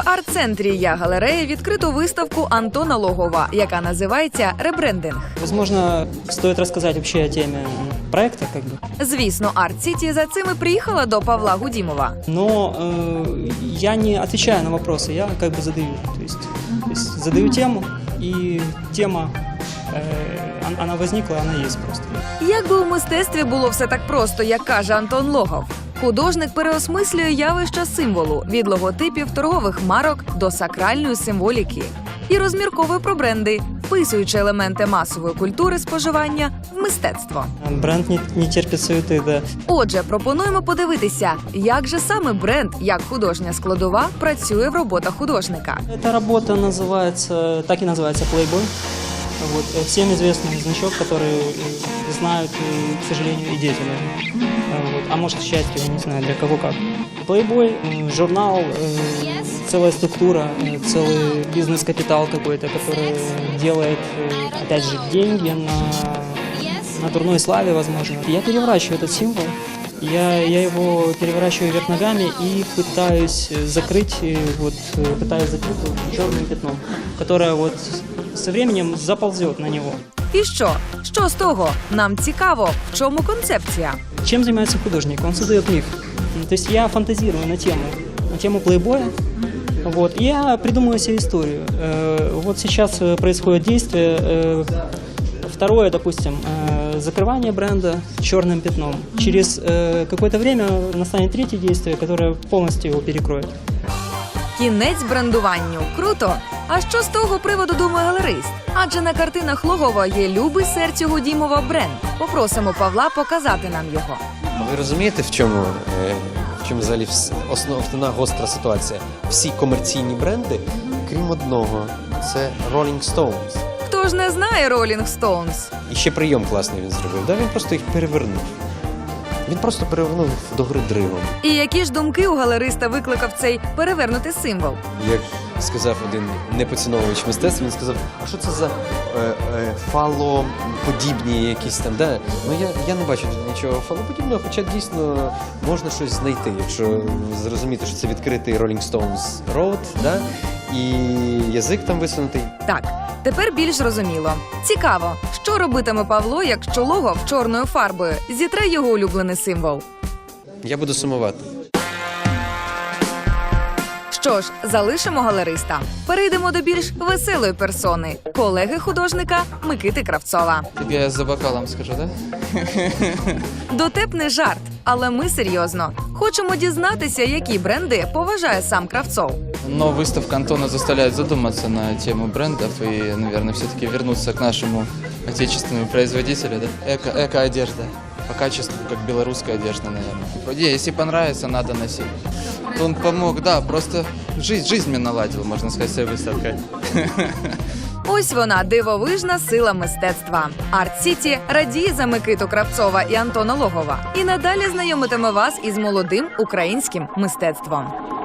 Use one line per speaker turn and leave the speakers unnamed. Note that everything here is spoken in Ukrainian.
В арт-центрі «Я-галерея» відкрито виставку Антона Логова, яка називається «Ребрендинг».
Возможно, стоит рассказать вообще о теме проекта, как бы.
Звісно, Арт-Сіті за цим і приїхала до Павла Гудімова.
Но я не отвечаю на вопросы, я как бы задаю. То есть задаю тему, и тема, она возникла, она есть просто.
Якби у мистецтві було все так просто, як каже Антон Логов. Художник переосмислює явища символу – від логотипів торгових марок до сакральної символіки. І розмірковує про бренди, вписуючи елементи масової культури споживання в мистецтво.
Бренд не терпить суеты, да.
Отже, пропонуємо подивитися, як же саме бренд, як художня складова, працює в роботах художника.
Эта работа называется, так и называется Playboy. Вот, всем известный значок, который знают, к сожалению, и дети даже. Вот, а может, к счастью, я не знаю, для кого как. Playboy, журнал, целая структура, целый бизнес-капитал какой-то, который делает, опять же, деньги на дурной славе, возможно. Я переворачиваю этот символ. Я его переворачиваю вверх ногами и пытаюсь закрыть черным пятном, которое вот со временем заползет на него.
І що? Що з того? Нам цікаво, в чому концепція?
Чем занимается художник? Он создает миф. То есть я фантазирую на тему плейбоя. Вот, и я придумываю себе историю. Вот сейчас происходит действие. Второе, допустим, закрывание бренда черным пятном. Через какое-то время настанет третье действие, которое полностью его перекроет.
Кінець брендуванню. Круто! А що з того приводу думає галерист? Адже на картинах Логова є любий серцю Гудімова бренд. Попросимо Павла показати нам його.
Ви розумієте, в чому взагалі основна гостра ситуація? Всі комерційні бренди, крім одного, це Rolling Stones.
Хто ж не знає Rolling Stones?
І ще прийом класний він зробив. Да, він просто їх перевернув. Він просто перевернув догори дригом.
І які ж думки у галериста викликав цей перевернутий символ?
Як сказав один непоціновувач мистецтва, він сказав, а що це за фалоподібні якісь там, да? Ну я не бачу тут нічого фалоподібного, хоча дійсно можна щось знайти, якщо зрозуміти, що це відкритий Rolling Stones Road, да? І язик там висунутий.
Так, тепер більш зрозуміло. Цікаво, що робитиме Павло, якщо Логов чорною фарбою зітре його улюблений символ?
Я буду сумувати.
Що ж, залишимо галериста. Перейдемо до більш веселої персони – колеги художника Микити Кравцова.
Тобі я за бокалом скажу, да?
Дотепний жарт, але ми серйозно. Хочемо дізнатися, які бренди поважає сам Кравцов.
Но выставка Антона заставляет задуматься на тему брендов и, наверное, все-таки вернуться к нашему отечественному производителю, да? Эко-одежда. По качеству, как белорусская одежда, наверное. Если понравится, надо носить. Он помог, да, просто жизнь мне наладил, можно сказать, с этой выставкой.
Ось вона, дивовижна сила мистецтва. Арт-Сіті радіє за Микиту Кравцова і Антона Логова. І надалі знайомитиме вас із молодим українським мистецтвом.